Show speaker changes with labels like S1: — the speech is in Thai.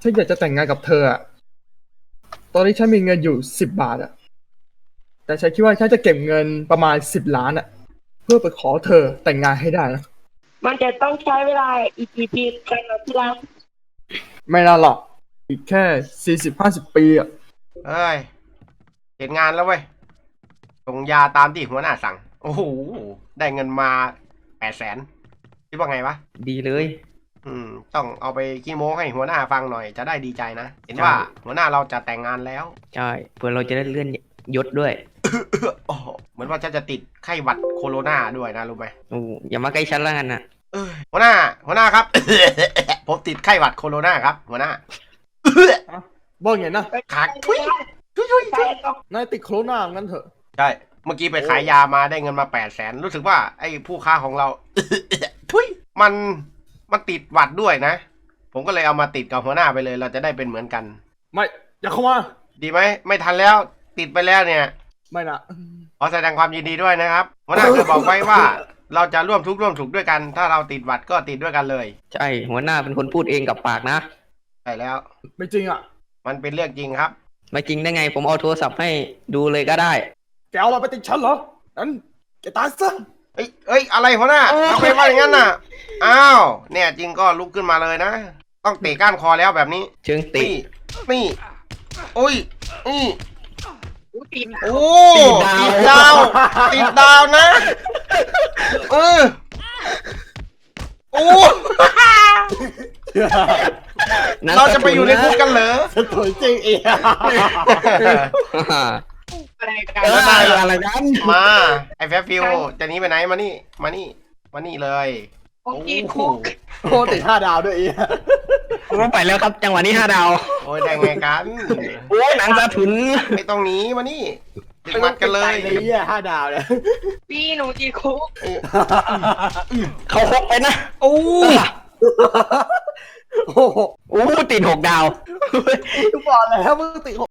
S1: ฉันอยากจะแต่งงานกับเธออะตอนนี้ฉันมีเงินอยู่10 บาทอะแต่ฉันคิดว่าฉันจะเก็บเงินประมาณ10 ล้านอะเพื่อไปขอเธอแต่งงานให้ได้นะ
S2: มันจะต้องใช้เวลาอีกกี่ปีกันนะที่รัก
S1: ไม่นานหรอกอีกแค่40-50 ปีอะ
S3: เอ้ยเห็นงานแล้วเว้ยส่งยาตามที่หัวหน้าสั่ง โอ้โห ได้เงินมา800,000คิดว่าไงวะ
S4: ดีเลย
S3: ต้องเอาไปขี้โม้ให้หัวหน้าฟังหน่อยจะได้ดีใจนะ เห็นว่าหัวหน้าเราจะแต่งงานแล้ว
S4: ใช่เพื่อเราจะได้เลื่อนยศด้วย
S3: โอ้โหเหมือนว่าฉันจะติดไข้หวัดโคโรนาด้วยนะรู้ไหม
S4: โอ้อย่ามาใกล้ฉันแล้วกันนะ
S3: หัวหน้าครับ ผมติดไข้หวัดโคโรนาครับ หัวหน้า
S1: บอกไงนะ
S3: ขาดทุย
S1: นายติดโควิดงั้นเถอะ
S3: ใช่ เมื่อกี้ไปขายยามาได้เงินมา800,000รู้สึกว่าไอ้ผู้ค้าของเรา ทุยมันติดหวัดด้วยนะ ผมก็เลยเอามาติดกับหัวหน้าไปเลย เราจะได้เป็นเหมือนกัน
S1: ไม่อย่าเข้ามา
S3: ดีไหมไม่ทันแล้วติดไปแล้วเนี่ย
S1: ไม่นะ
S3: ขอแสดงความยินดีด้วยนะครับหัวหน้าเคยบอกไว้ว่า เราจะร่วมทุกข์ร่วมสุขด้วยกัน ถ้าเราติดหวัดก็ติดด้วยกันเลย
S4: ใช่หัวหน้าเป็นคนพูดเองกับปากนะ
S3: ใช่แล้ว
S1: ไม่จริงอ่ะ
S3: มันเป็นเรื่องจริงครับ
S4: ไม่จริงได้ไงผมเอาโทรศัพท์ให้ดูเลยก็ได้
S1: แกเอามาไปติดฉันเหรอนั้นแกตายซะ
S3: เอ้ยอะไรหัวหน้าทำไมว่าอย่างนั้นน่ะอ้าวเนี่ยจริงก็ลุกขึ้นมาเลยนะต้องเตะก้านคอแล้วแบบนี้
S4: เชิงติ
S3: นี่อุ้ยนี่
S2: ติด
S3: โอ้ติดดาวติดดาวนะโอ้ เราจะไปอยู่ในคุกกันเหรอ
S1: สวยจริงเอง
S2: อะไรกัน
S4: อะไรกัน
S3: มาไอ้แฟฟิวจะหนีไปไหนมานี่มานี่เลย
S2: ผมติดคุก
S1: โอ้ติด5 ดาวด้วยอีก
S4: ผมไปแล้วครับจังหวะนี้5 ดาว
S3: โอ้ยได้ไงกัน
S4: โอ้ยหนังสะทุน
S3: ไม่ต้องหนีมานี่ติดมัดกันเลย
S1: เลยเนี่ย5 ดาวเนี่ย
S2: พี่หนูติดคุก
S4: เขาคกไปนะ
S3: โอ้
S1: โอ้โห
S4: โอ้ติด6 ดาว
S1: ทุกบอกแล้วมึงติด